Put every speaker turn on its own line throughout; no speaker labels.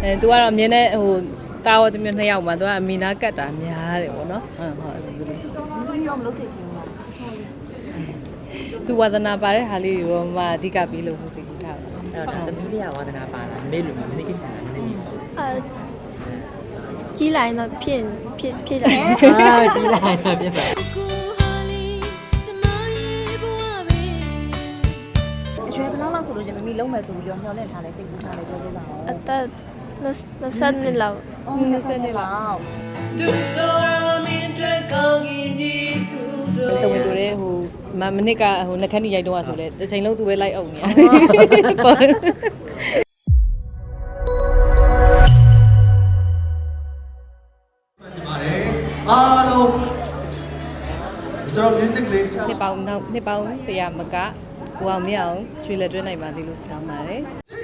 သူကတော့အမြင်နဲ့ဟိုတာဝတ်တမျိုးနှစ်ယောက်မှာသူကအမီနာကတ်တာများတယ်ပေါ့နော်ဟုတ်အဲ့လိုမျိုးရှိ
ဘူးရောမလုပ်စေချင်ဘူးလား
သူဝါသနာပါတဲ့ဟာလေးတွေတော့မှအဓိကပြီးလို့ဖို့စိတ်ကူးထားတာ
အဲ့တော့တမီးလေးကဝါသနာပါလားမမေလိုမျိုးမင်းကိစ္စလားမင်းသမီး
ကြီးလာရင်တော့ဖြစ်တယ်
ကြီးလာရင်ဖြစ်ပါ
အရွယ်ဘယ်လောက်ဆိုလို့ရှင်မမီလုံးမယ်ဆိုပြီးတော့ညှော်လင့်ထားလဲစိတ်ကူးထားလဲပြောပြပါဦး
အသက်20နှစ်လောက်
20နှစ်လောက်
သူဆိုရမင်းအတွက်ကောင်းကြီးခုဆိုတဝင်တို့တဲ့ဟိုမနစ်ကဟိုနှခမ်းကြီးရိုက်တော့ဆိုလဲတစ်ချိန်လုံးသူပဲလိုက်အောင်နေပေါ့
အားလုံးကျွန်တော် music လေး
နှစ်ပေါင်း100မကဟိုအောင်မရအောင်ရွှေလက်တွဲနိုင်ပါသေးလို့ဆုတောင်းပါတယ်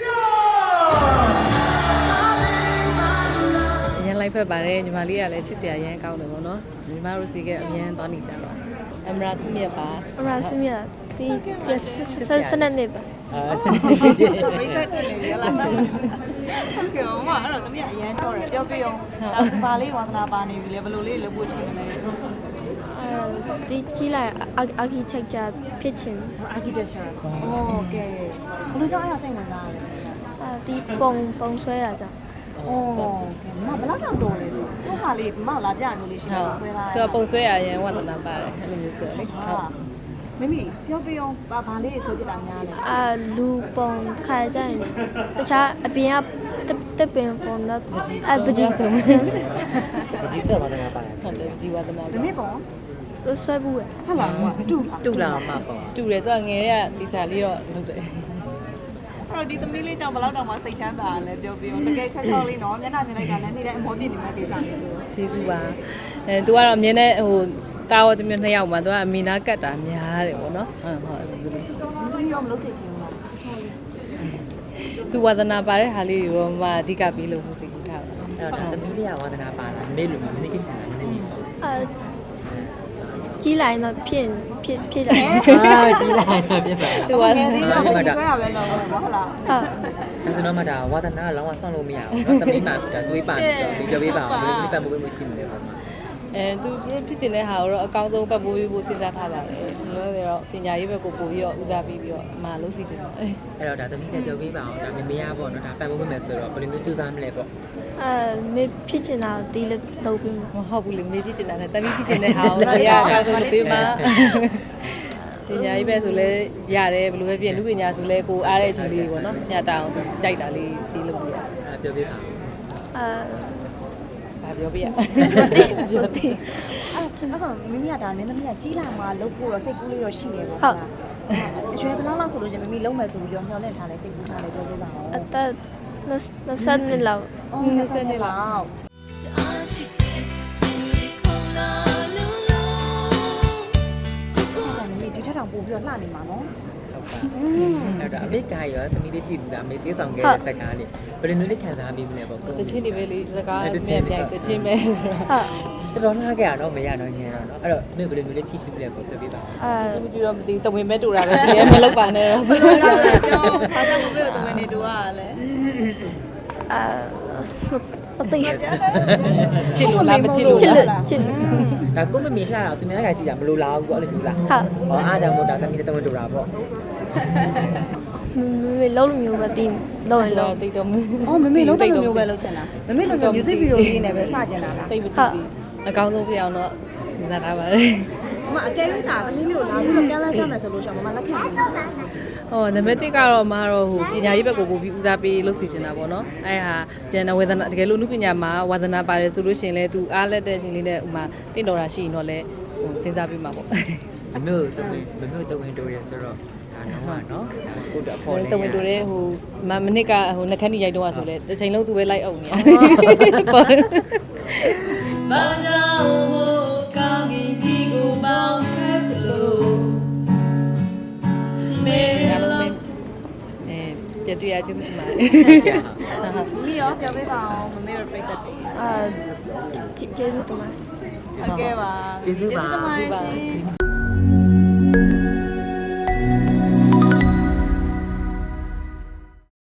အရင်လိုက်ဖက်ပါတယ်ညီမလေးကလည်းချစ်စရာရမ်းကောင်းတယ်ပေါ့နော်ညီမတို့စီကအမြဲသွားနေကြပါအမရာစုမြတ်ပါ
အမရာစုမြတ်ဒီစနစ်နေပါ
မိတ်ဆက်နေရလားဟုတ်ကဲ့မအဲ့တော့တမီးအရန်ချောတယ်ပြောပြအောင်ဒါဘာလေးဝါသနာပါနေပြီလေဘယ်လိုလေးလုပ်ဖို့ရှိမလဲ
ဒီကြီးလာ architecture ဖြစ်ချင်
architecture โอเคဘယ်လိုကြောင့်အဲ့ဒါစိတ်ဝင်စားလဲ
ဒီပုံဆွဲတာကြောင့်
โอเคမဘယ်လောက်တော့တော်လဲသူဟာလေးမလာပြလို့လေးရှိတယ်ဆွဲလာ
သူကပုံဆွဲရရင်ဝါသနာပါတယ်အဲ့လိုမျိုးဆိုလေဟုတ်
မမီပြောပြအောင်ဘာလေးဆွဲပြတာများလဲ
လူပုံခါကြရင်တခြားအပြင်ကတက်ပင်ပုံတော့
ပကြီးဆုံး
ပကြီးဆွဲဝါသနာပါတယ်
ဟုတ်တယ်ပကြီးဝါသနာ
ဒီနေ့ပုံ
ဆွဲဘူး
ဟုတ်လားတူ
လာမှာပေါ့
တူတယ်သူကငယ်ရတီချာလေးတော့လုပ်တယ်
အဲ့တော့ဒီသမီးလေးကြောင့်ဘယ်လောက်တောင်မှစိတ်ချမ်းသာလဲပြောပြအောင်တကယ်ချောချောလေးနော်မျက်နှာမြင်လိုက်တာလည်းနေတဲ့အမောပြည့်နေမှဒေသလေးဆို
ကျေးဇူးပါသူကတော့အမြင်နဲ့ဟိုတာဝတ်တမျိုးနှစ်ယောက်မှာသူကအမီနာကတ်တာများတယ်ပေါ့နော်ဟုတ်အဲ့လိုမျိုးရှိ
ဘူးရောမလုပ်စေချင်ဘူးလား
သူဝါသနာပါတဲ့ဟာလေးတွေတော့မှအဓိကပြီးလို့ဖို့စိတ်ကူးထားတာ
အဲ့တော့တမီးလေးကဝါသနာပါလားမမေလိုမျိုးမင်းကိစ္စလားမင်းသမီး
ကြီးလာရင်တော့ဖြစ်တယ်
ကြီးလာရင်ဖြစ်ပါ
သူက
ဒီမှာဆွဲရပဲတော့ဟုတ်လား
ဒါဆိုတော့မှဒါဝါသနာကလောင်းဝဆောင်းလို့မရဘူးเนาะသမီးမှဒါသွေးပါနေဆိုပြီးပြောပေးပါအောင်ဘယ်လိုပတ်မိုးပေးမရှိမလဲပေါ့မှာ
သူဖြစ်စင်တဲ့ဟာကိုတော့အကောင်းဆုံးပတ်ပိုးပေးဖို့စဉ်းစားထားပါတယ်လို့တော့ပညာရေးဘက်ကိုပို့ပြီးတော့ဦးစားပေးပြီးတော့မလုပ်စီချင်ပါဘူး
အဲ့တော့ဒါသမီးလည်းပြောပေးပါအောင်ဒါမမေရပေါ့เนาะဒါပတ်မိုးပေးမယ်ဆိုတော့ဘယ်လိုမျိုးစူးစမ်းမလဲပေါ့
မေဖြစ်ချင်တာဒီလက်တော့ပြီး
မဟုတ်ဘူးလေမေဖြစ်ချင်တာနဲ့တမီးဖြစ်ချင်တဲ့ဟာကိုအရာအကောင်းဆုံးလုပ်ပေးပါပညာရေးပဲဆိုလဲရတယ်ဘယ်လိုပဲပြင်လူပညာဆိုလဲကိုအားတဲ့အချိန်လေးပေါ့နော်ညတာအောင်ကြိုက်တာလေးပြီးလို့ရ
ပြောပေးပါ
ဘာပြောပြရ
အဲ့ဆိုမမီကဒါမင်းသမီးကကြီးလာမှလုပ်ဖို့တော့စိတ်ကူးလေးတော့ရှိနေပေါ့ဟုတ်အရွယ်ဘယ်လောက်ဆိုလို့ရှင်မမီလုံးမယ်ဆိုပြီးတော့ညှော်လင့်ထားလဲစိတ်ကူးထားလဲပြောပြပါဦး
အသက်20နှစ်လောက်
20နှစ်လောက်ဒီထက်တောင်ပို့ပြီးတော့လှနေမှာနော်
အဲ့ဒါအမေကရောသမီးလေးကြည့်ဘူးလားအမေသေးဆောင်ခဲ့တဲ့စကားလေးဘယ်လိုမျိုးလေးခံစားမိမလဲပေါ့
တချင်းတွေပဲလေစကားမြဲပြိုင်တချင်းပဲ
ဆိုတော့တော်တော်လှခဲ့ရတော့မရတော့ငယ်တော့အဲ့တော့အမေဘယ်လိုမျိုးလေးချစ်ချစ်လဲပေါ့ပြောပြပါ
သူကြည့်တော့မသိတဝင်မဲ့တူတာပဲဒီမလောက်ပါနဲ့တော့
ဘာကြောင့်မပြောတဝင်နေတူရလဲ
မသိ
ချစ်လို့လားမချစ်လို့
ချစ်လို့
ဒါကိုမမေလှတာသူများကကြည့်တာမလိုလားဘူးပေါ့အဲ့လိုမျိုးလားဟောအားကြောင့်မို့ဒါသမီးတဝင်တူတာပေါ့
မေလုံးလိုမျိုးပဲတင်းလုံးရင်လုံး
တိတ်တော့
မမေလုံးတမျိုးပဲလုံးချင်တာမမေလုံး music video လေးနဲ့ပဲစကျင်တာလား
တိတ်မသိဘူးအကောင်းဆုံးပြအောင်တော့စဉ်းစားထားပါတယ်
အကယ်၍ဒါသမီးမျိုးလာပြီးတော့ကမ်းလှမ်းကြမယ်ဆိုလို့ရှိရင်မမလက်ခံဘူး
နံပါတ်1ကတော့မကတော့ဟိုပညာရေးဘက်ကိုပို့ပြီးဦးစားပေးလုပ်စီချင်တာပေါ့နော်အဲ့ဟာကျန်တဲ့ဝေဒနာတကယ်လို့လူပညာမှာဝါသနာပါတယ်ဆိုလို့ရှိရင်လည်းသူအားလက်တဲ့အချိန်လေးနဲ့ဥမာတင့်တော်တာရှိရင်တော့လည်းဟိုစဉ်းစားပေးမှာပေါ့
မမျိုးတဝင်တိုးရဲဆိုတော့ဒါတော့ကိုတော့ပေါ်နေ
တဝင်တိုးရဲဟိုမနစ်ကဟိုနှခမ်းကြီးရိုက်တော့ဆိုလဲတစ်ချိန်လုံးသူပဲလိုက်အောင်နေပေါ့ဘာကြောင့်မို့ကောင်းကြီးကြီးကိုပေါင်းခဲ့တယ်လို့မေပြည့်ရကျေးဇူးတင်ပါတယ်
မီရောပြောပေးပါအောင်မမေရပြတ်တယ်
ကျေးဇူးတင်ပါတယ်
ဟုတ်ကဲ့ပါ
ကျေးဇူးပါ